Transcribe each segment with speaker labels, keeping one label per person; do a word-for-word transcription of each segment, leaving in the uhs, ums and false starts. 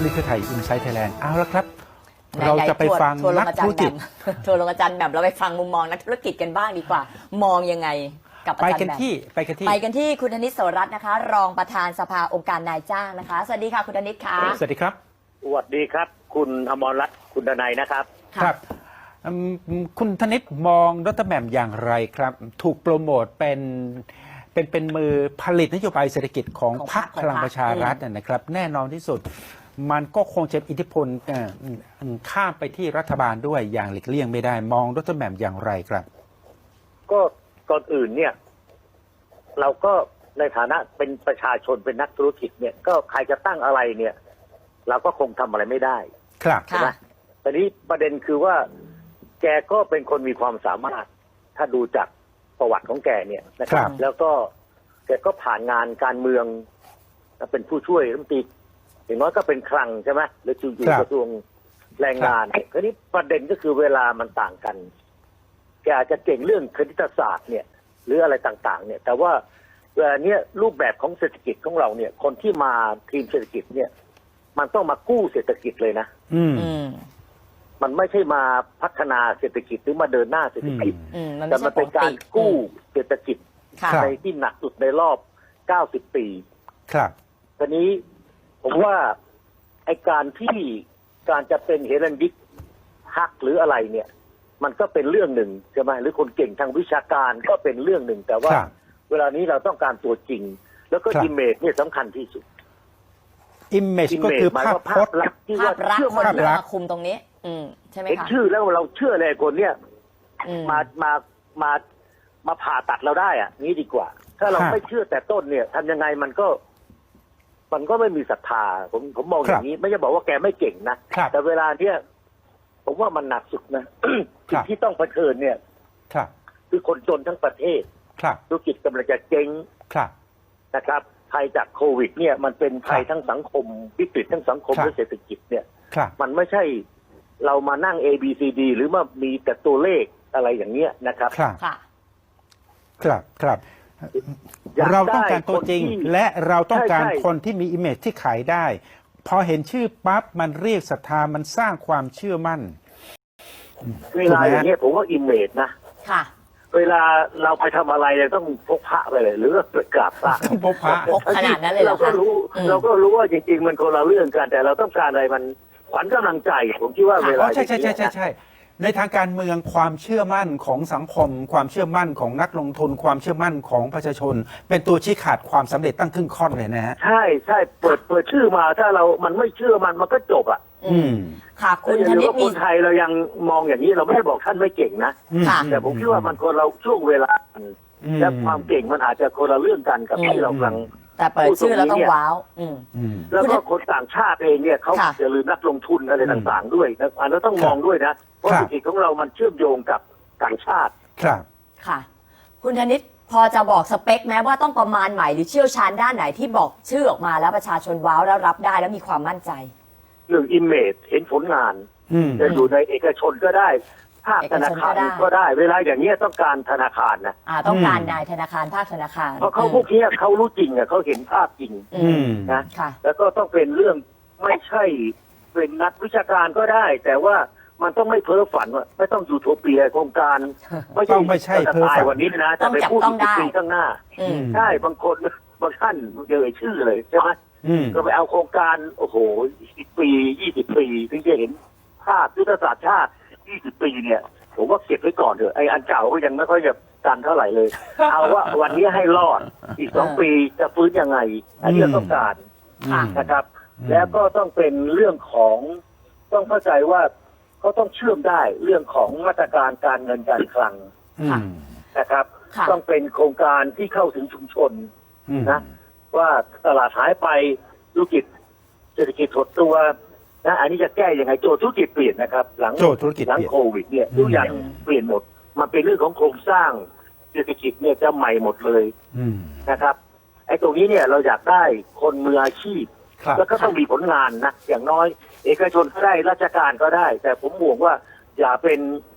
Speaker 1: นี่คือไทยอินไซต์ไทยแลนด์เอาละครับเราจะไปฟังนักธุรกิจ
Speaker 2: ทัวร์ลงอาจารย์แบบเราไปฟังมุมมองนักธุรกิจกันบ้างดีกว่ามองยังไงกับอาจารย์แบบไปกันที่ไปกันที่ไปกันที่คุณธนิต โสรัตน์นะคะรองประธานสภาองค์การนายจ้างนะคะสวัสดีค่ะคุณธนิตค่ะ
Speaker 1: สวัสดีครับ
Speaker 3: สวัสดีครับคุณอมรรัตน์คุณดนัยนะครับ
Speaker 1: ครับคุณธนิตมองรัฐแหม่มอย่างไรครับถูกโปรโมทเป็นเป็นเป็นมือผลิตนโยบายเศรษฐกิจของพรรคพลังประชารัฐนะครับแน่นอนที่สุดมันก็คงจะอิทธิพลข้ามไปที่รัฐบาลด้วยอย่างหลีกเลี่ยงไม่ได้มองรัฐแหม่มอย่างไรครับ
Speaker 3: ก็ก่อนอื่นเนี่ยเราก็ในฐานะเป็นประชาชนเป็นนักธุรกิจเนี่ยก็ใครจะตั้งอะไรเนี่ยเราก็คงทำอะไรไม่ได้
Speaker 1: ครับ
Speaker 3: ใช่ไหมแต่นี้ประเด็นคือว่าแกก็เป็นคนมีความสามารถถ้าดูจากประวัติของแกเนี่ยนะครับแล้วก็แกก็ผ่านงานการเมืองเป็นผู้ช่วยรัฐมนตรีอย่างน้อยก็เป็นคลังใช่ไหมหรืออยู่กระทรวงแรงงานคราวนี้ประเด็นก็คือเวลามันต่างกันแกอาจจะเก่งเรื่องคณิตศาสตร์เนี่ยหรืออะไรต่างๆเนี่ยแต่ว่าเวลาเนี้ยรูปแบบของเศรษฐกิจของเราเนี่ยคนที่มาทีมเศรษฐกิจเนี่ยมันต้องมากู้เศรษฐกิจเลยนะ
Speaker 1: อืม
Speaker 3: มันไม่ใช่มาพัฒนาเศรษฐกิจหรือมาเดินหน้าเศรษฐกิจแต่มันเป็นการกู้เศรษฐกิจในที่หนักสุดในรอบเก้าสิบปี
Speaker 1: ครับ
Speaker 3: ทีนี้ผมว่าไอการที่การจะเป็นเฮรันยิกฮักหรืออะไรเนี่ยมันก็เป็นเรื่องหนึ่งใช่ไหมหรือคนเก่งทางวิชาการก็เป็นเรื่องหนึ่งแต่ว่าเวลานี้เราต้องการตัวจริงแล้วก็อิมเมจเนี่ยสำคัญที่สุด
Speaker 1: อิมเมจก็คือภาพพจน์
Speaker 3: ที่
Speaker 2: ว่า
Speaker 3: เชื่อ
Speaker 2: มั่นมาคุมตรงนี้อืมใช่ไหมคะ
Speaker 3: เห็นชื่อแล้วเราเชื่อเลยคนเนี้ยมามามามาผ่าตัดเราได้อ่ะนี้ดีกว่าถ้าเราไม่เชื่อแต่ต้นเนี่ยทำยังไงมันก็มันก็ไม่มีศรัทธาผมผมมองอย่างนี้ไม่ใช่บอกว่าแกไม่เก่งนะแต่เวลาเนี้ยผมว่ามันหนักสุดนะสิ่งที่ต้องเผชิญเนี่ยคือคนจนทั้งประเทศธุรกิจกำลังจะเจ๊งนะครับภัยจากโควิดเนี่ยมันเป็นภัยทั้งสังคมวิกฤตทั้งสังคมและเศรษฐกิจเนี่ยมันไม่ใช่เรามานั่ง A B C D หรือว่ามีแต่ตัวเลขอะไรอย่างเงี้ยนะครับ
Speaker 1: ครับครับครับเราต้องการตัวจริงและเราต้องการคนที่มีอิมเมจที่ขายได้พอเห็นชื่อปั๊บมันเรียกศรัทธามันสร้างความเชื่อมั่น
Speaker 3: เวลาอย่างเงี้ยผมว่าอิมเมจนะ
Speaker 2: ค่ะ
Speaker 3: เวลาเราไปทำอะไรเราต้องพกพระไปเลยหรือว่ากราบพระ
Speaker 1: ต้องพกพระ
Speaker 2: ขนาดนั้นเลย
Speaker 3: เราก็รู้เราก็รู้ว่าจริงๆมันคนละเรื่องกันแต่เราต้องการอะไรมันขวัญกำลังใจผมคิดว่าเวลา
Speaker 1: ใช่ใช่ใช่ใช่ใช่ในทางการเมืองความเชื่อมั่นของสังคมความเชื่อมั่นของนักลงทุนความเชื่อมั่นของประชาชนเป็นตัวชี้ขาดความสำเร็จตั้งครึ่งค่อนเลยนะฮะ
Speaker 3: ใช่ใช่เปิดเปิดชื่อมาถ้าเรามันไม่เชื่อมันมันก็จบอ่ะ
Speaker 1: อืม
Speaker 2: ค่ะคุณ
Speaker 3: ธนิตคนไทยเรายังมองอย่างนี้เราไม่ได้บอกท่านไม่เก่งนะแต่ผมคิดว่ามันคนเราช่วงเวลาและความเก่งมันอาจจะคนละเรื่องกันกับที่เรากำลัง
Speaker 2: แต่เปิดชื่อแล้วต้องว้าว
Speaker 3: แล้วก็คนต่างชาติเองเนี่ยเขาจะลืมนักลงทุนอะไรต่างๆด้วยนะอันนั้นต้องมองด้วยนะเพราะเศรษฐกิจของเรามันเชื่อมโยงกับต่างชาติ
Speaker 1: ครับ
Speaker 2: ค่ะคุณธนิตพอจะบอกสเปคแม้ว่าต้องประมาณใหม่หรือเชี่ยวชาญด้านไหนที่บอกชื่อออกมาแล้วประชาชนว้าวแล้วรับได้แล้วมีความมั่นใจ
Speaker 3: เรื่องอิมเมจเห็นผลงานจะอยู่ในเอกชนก็ได้ภาคธนาคารก็ได้เวลาอย่างนี้ต้องการธนาคารนะ
Speaker 2: อ่าต้องการนายธนาคารภาคธนาคาร
Speaker 3: เพราะเขาพวกนี้เขารู้จริงอ่ะเขาเห็นภาพจริงนะแล้วก็ต้องเป็นเรื่องไม่ใช่เป็นนักวิชาการก็ได้แต่ว่ามันต้องไม่เพ้อฝันว่าไม่ต้องยูโทเปียโครงการ
Speaker 1: ไม่ต้องไม่ใช่เพ้อฝัน
Speaker 3: วันนี้นะจะไปพูดสิบปีข้างหน้าใช่บางคนบางท่านเอ่ยชื่อเลยใช่ไหมก็ไปเอาโครงการโอ้โหสิบปียี่สิบปีถึงจะเห็นภาพยุทธศาสตร์ชาติยี่สิบปีเนี่ยผมว่าเก็บไว้ก่อนเถอะไอ้อันเก่าก็ยังไม่ค่อยจะกันเท่าไหร่เลยเอาว่าวันนี้ให้รอดอีกสองปีจะฟื้นยังไงอันนี้ต้องการนะครับแล้วก็ต้องเป็นเรื่องของต้องเข้าใจว่าเขาต้องเชื่อมได้เรื่องของมาตรการการเงินการคลังนะครับต้องเป็นโครงการที่เข้าถึงชุมชนนะว่าตลาดหายไปธุรกิจเศรษฐกิจถดตัวนะอันนี้จะแก้ยังไงโจทย์ธุรกิจเปลี่ยนนะครับหลังหลังโควิดเนี่ยทุกอย่างเปลี่ยนหมดมันเป็นเรื่องของโครงสร้างเศรษฐกิจเนี่ยจะใหม่หมดเลยนะครับไอ้ตรงนี้เนี่ยเราอยากได้คนมืออาชีพแล้วก็ต้องมีผลงานนะอย่างน้อยเอกชนก็ได้ราชการก็ได้แต่ผมห่วงว่าอย่าเป็นไ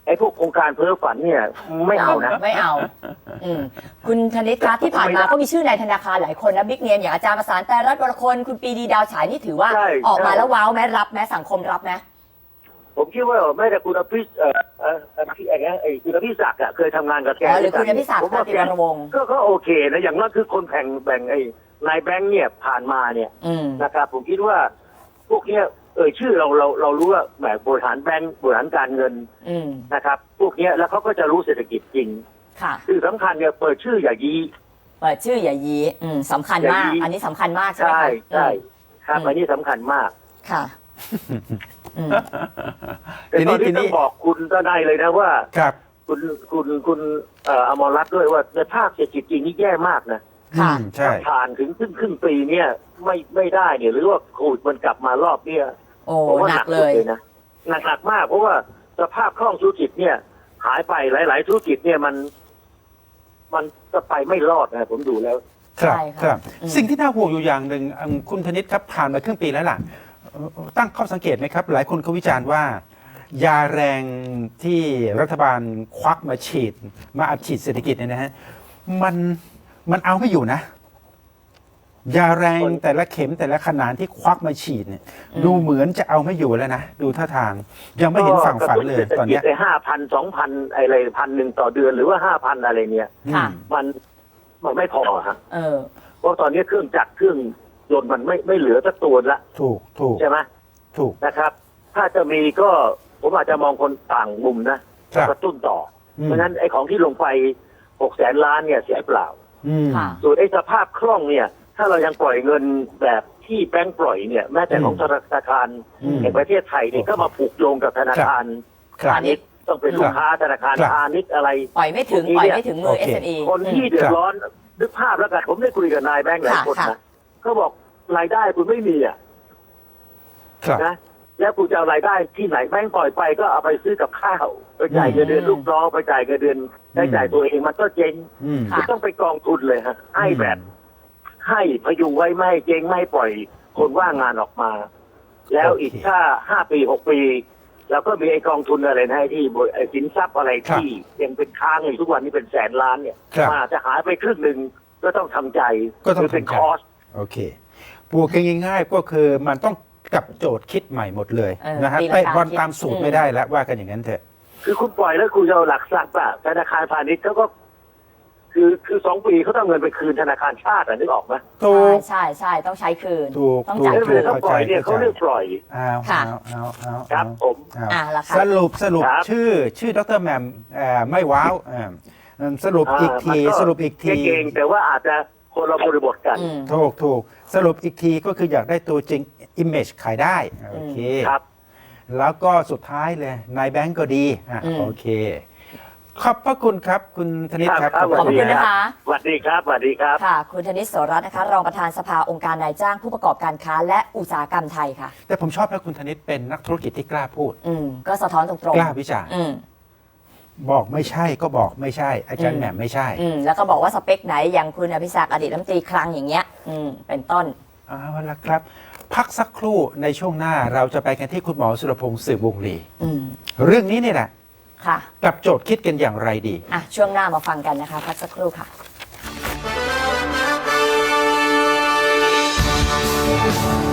Speaker 3: อ้พวกโครงการเพ้อฝันเนี่ยไม่เอานะ
Speaker 2: ไม่เอาอืมคุณธนิตคะที่ผ่านมาก็มีชื่อในธนาคารหลายคนนะบิ๊กเนมอย่างอาจารย์ประสานแต่รัฐวรคนคุณปรีดีดาวฉายนี่ถือว่า
Speaker 3: ใช่
Speaker 2: ออกมา
Speaker 3: ใช่
Speaker 2: แล้วว้าวไหมรับไหมสังคมรับไหม
Speaker 3: ผมคิดว่าแม้แต่คุณอภิษเอ่อเอ่อเอ่อที่ไอ้ไอ้คุณอภิศักดิ์อะเคยทำงานกับแก
Speaker 2: อ๋อหรือคุณอภิศักดิ์
Speaker 3: ผมว่า
Speaker 2: ตันติวรวงศ์
Speaker 3: ก็ก็โอเคนะอย่างนั้นคือคนแบ่งแบ่งไอ้นายแบงค์เนี่ยผ่านมาเนี่ย
Speaker 2: อืม
Speaker 3: นะครับผมคิดว่าพวกเนี้ยเอ่ยชื่อเราเราเรารู้ว่าแหมบริหารแบงค์บริหารการเงิน
Speaker 2: อืม
Speaker 3: นะครับ พวกเนี้ยแล้วเขาก็จะรู้เศรษฐกิจจริง
Speaker 2: ค่ะ
Speaker 3: คือสำคัญเนี่ยเปิดชื่ออย่ายี
Speaker 2: เปิดชื่ออย่ายีอืมสำคัญมาก
Speaker 3: อย่ายี
Speaker 2: อันนี้สำคัญมากใช่ไหม
Speaker 3: ใช่
Speaker 2: คะ
Speaker 3: ใช่ครับ
Speaker 2: อืม
Speaker 3: อันนี้สำคัญมาก
Speaker 2: ค่ะอืม
Speaker 3: แต่
Speaker 1: ที
Speaker 3: ต
Speaker 1: นี้
Speaker 3: อนนี้
Speaker 1: ที
Speaker 3: ต้
Speaker 1: นี้
Speaker 3: องบอกคุณทนายเลยนะว่า
Speaker 1: ครับ
Speaker 3: คุณคุณคุณเอ่ออมรรัตน์ด้วยว่าในภาคเศรษฐกิจจริงนี่แย่มากนะ
Speaker 2: ค่ะ
Speaker 1: อืมใช่
Speaker 3: ผ่านถึงครึ่งครึ่งปีเนี่ยไม่ไม่ได้เนี่ยหรือว่าโควิดมันกลับมารอบเนี่ย
Speaker 2: โอ้
Speaker 3: ผมว่า
Speaker 2: หนั
Speaker 3: หนั
Speaker 2: ก
Speaker 3: ก
Speaker 2: เล
Speaker 3: สุด
Speaker 2: ย
Speaker 3: เลยนะหนักหนักมากเพราะว่าสภาพคล่องธุรกิจเนี่ย หายไปหลาย ๆ ธุรกิจเนี่ยมัน มันจะไปไม่รอดนะผมดูแล้ว
Speaker 1: ครับ
Speaker 2: ใช่ค่ะ
Speaker 1: ครับ
Speaker 2: อืม
Speaker 1: สิ่งที่น่าห่วงอยู่อย่างหนึ่งอืมคุณธนิตครับผ่านมาครึ่งปีแล้วล่ะเอ่อตั้งข้อสังเกตไหมครับ หลายคนเขาวิจารณ์ว่า ยาแรงที่รัฐบาลควักมาฉีด มาอัดฉีดเศรษฐกิจเนี่ยนะฮะมันมันเอาไม่อยู่นะ ยาแรงแต่ละเข็มแต่ละขนาดที่ควักมาฉีดเนี่ย ดูเหมือนจะเอาไม่อยู่แล้วนะดูท่าทาง ยังไม่เห็นฝั่งฝันเลยตอนเนี้ย
Speaker 3: ไอ้ห้าพันสองพันอะไรพันหนึ่งต่อเดือนหรือว่าห้าพันอะไรเนี่ย
Speaker 2: ค่ะ
Speaker 1: อืม
Speaker 3: มันมันไม่พอฮะ
Speaker 2: เออ
Speaker 3: เพราะตอนนี้เครื่องจักรเครื่องยนต์มันไม่ไม่เหลือสักตัวละ
Speaker 1: ถูกถูก
Speaker 3: ใช่ไหม
Speaker 1: ถูก
Speaker 3: นะครับ ถ้าจะมีก็ผมอาจจะมองคนต่างมุมนะครับ กระตุ้นต่ออ
Speaker 1: ม
Speaker 3: เพราะฉะนั้นไอ้ของที่ลงไปหกแสนล้านเนี่ยเสียเปล่า
Speaker 1: อืม
Speaker 2: ค่ะ
Speaker 3: ส่วนไอ้สภาพคล่องเนี่ย ถ้าเรายังปล่อยเงินแบบที่แบงก์ปล่อยเนี่ยแม้แต่ของธนาคาร
Speaker 1: อืม
Speaker 3: แห่งประเทศไทยเนี่ยก็มาผูกโยงกับธนาคาร
Speaker 1: ครับ
Speaker 3: พาณิชย์ต้องเป็นลูกค้าธนาคาร
Speaker 1: ครับ
Speaker 3: พาณิชย์อะไร
Speaker 2: ปล่อยไม่ถึง
Speaker 3: พวกนี้
Speaker 2: ปล่อย
Speaker 3: เนี่ย
Speaker 2: ไม่ถึงมือ
Speaker 1: โอเค
Speaker 2: เอส เอ็ม อี
Speaker 3: คนที่เดือดร้อนนึกภาพแล้วกันผมได้คุยกับนายแบงก์หลายคน
Speaker 2: ค่ะ
Speaker 3: นะเขาบอกรายได้คุณไม่มีอ่ะ
Speaker 1: ครับ
Speaker 3: นะแล้วคุณจะเอารายได้ที่ไหนแบงก์ปล่อยไปก็เอาไปซื้อกับข้าวไปจ่ายเงินเดือนลูกน้องไปจ่ายเงินเดือนใช้จ่ายตัวเองมันก็เจ๊ง
Speaker 1: อืม
Speaker 2: ค่ะ
Speaker 3: คุณต้องไปกองทุนเลยฮะให้แบบ ให้พยุงไว้ไม่ให้เจ๊งไม่ให้ปล่อยคนว่างงานออกมา แล้วอีก
Speaker 1: โอเค
Speaker 3: ถ้าห้าปีหกปีแล้วก็มีไอ้กองทุนอะไรนะที่บริไอ้สินทรัพย์อะไร
Speaker 1: ครับ
Speaker 3: ที่ยังเป็นค้างอยู่ทุกวันนี้เป็นแสนล้านเนี่ย
Speaker 1: ครับ
Speaker 3: มันอาจจะหายไปครึ่งหนึ่งก็ต้องทำใจ
Speaker 1: ก็ต้อง
Speaker 3: หรืเป็น
Speaker 1: ทำใจ
Speaker 3: คอส
Speaker 1: โอเคบวกกันง่ายๆก็คือมันต้องกลับโจทย์คิดใหม่หมดเลย
Speaker 2: เออ
Speaker 1: นะฮะ
Speaker 2: ตีลังกา
Speaker 1: เตะบอล
Speaker 2: คิด
Speaker 1: ตามสูตร
Speaker 2: อืม
Speaker 1: ไม่ได้แล้วว่ากันอย่างนั้นเถอะ
Speaker 3: คือคุณปล่อยแล้วคุณจะเอาหลักทรัพย์อะธนาคารพาณิชย์เขาก็ คือคือสองปีเขาต้องเอาเงินไปคืนธนาคารชาติอะนึกออกไหม
Speaker 1: ถูก
Speaker 2: ใช่ใช่ต้องใช้คืน
Speaker 1: ถูก
Speaker 2: ต้อง
Speaker 1: ถูก
Speaker 2: จ่าย
Speaker 3: แล้ว
Speaker 2: คื
Speaker 3: เวน ลาเขาปล่อยเนี่ยเขาเรียกปล่อย
Speaker 1: เอา
Speaker 2: ค่ะ
Speaker 1: เอาเอาเอา
Speaker 3: ครับ
Speaker 1: เอา
Speaker 3: ผม
Speaker 1: เอา
Speaker 2: อ่ะราคา
Speaker 1: สรุปสรุป
Speaker 3: ครับ
Speaker 1: ชื่อ ชื่อดรแหมมเอ่อไม่ว้าวเอ่อสรุปอีกที
Speaker 3: า
Speaker 1: สรุปอีกที
Speaker 3: เก่งๆแต่ว่าอาจจะคนละบริบทกัน
Speaker 2: อืม
Speaker 1: ถูกถูกสรุปอีกทีก็คืออยากได้ตัวจริง Image ขายได้โอเค
Speaker 3: ครับ
Speaker 1: แล้วก็สุดท้ายเลยนายแบงก์ก็ดีอ่ะ
Speaker 2: อืม
Speaker 1: โอเค ขอบพระคุณครับ คุณธนิตครับ
Speaker 3: ครับ
Speaker 2: ขอบคุณนะคะ
Speaker 3: สวัสดีครับสวัสดีครับ
Speaker 2: ค่ะ คุณธนิตโสรัตน์นะคะ รองประธานสภาองค์การนายจ้างผู้ประกอบการค้าและอุตสาหกรรมไทยค่ะ
Speaker 1: แต่ผมชอบนะคุณธนิตเป็นนักธุรกิจที่กล้าพูด
Speaker 2: อืมก็สะท้อนตรงๆ
Speaker 1: กล้าวิจารณ์
Speaker 2: อืม
Speaker 1: บอกไม่ใช่ก็บอกไม่ใช่ อาจาร
Speaker 2: อื
Speaker 1: ย์
Speaker 2: ม
Speaker 1: แหม่มไม่ใช่
Speaker 2: อืมแล้วก็บอกว่าสเปคไหนอย่างคุณอภิศักดิ์อดีตรัฐมนตรีคลังอย่างเงี้ย อืมเป็นต้น
Speaker 1: เอาละครับ พักสักครู่ในช่วงหน้าเราจะไปกันที่คุณหมอสุรพงศ์สืบวงศ์ลี
Speaker 2: อืม
Speaker 1: เรื่องนี้นี่แหละ
Speaker 2: ค่ะ
Speaker 1: กลับโจทย์คิดกันอย่างไรดี
Speaker 2: อ่ะช่วงหน้ามาฟังกันนะคะพักสักครู่ค่ะ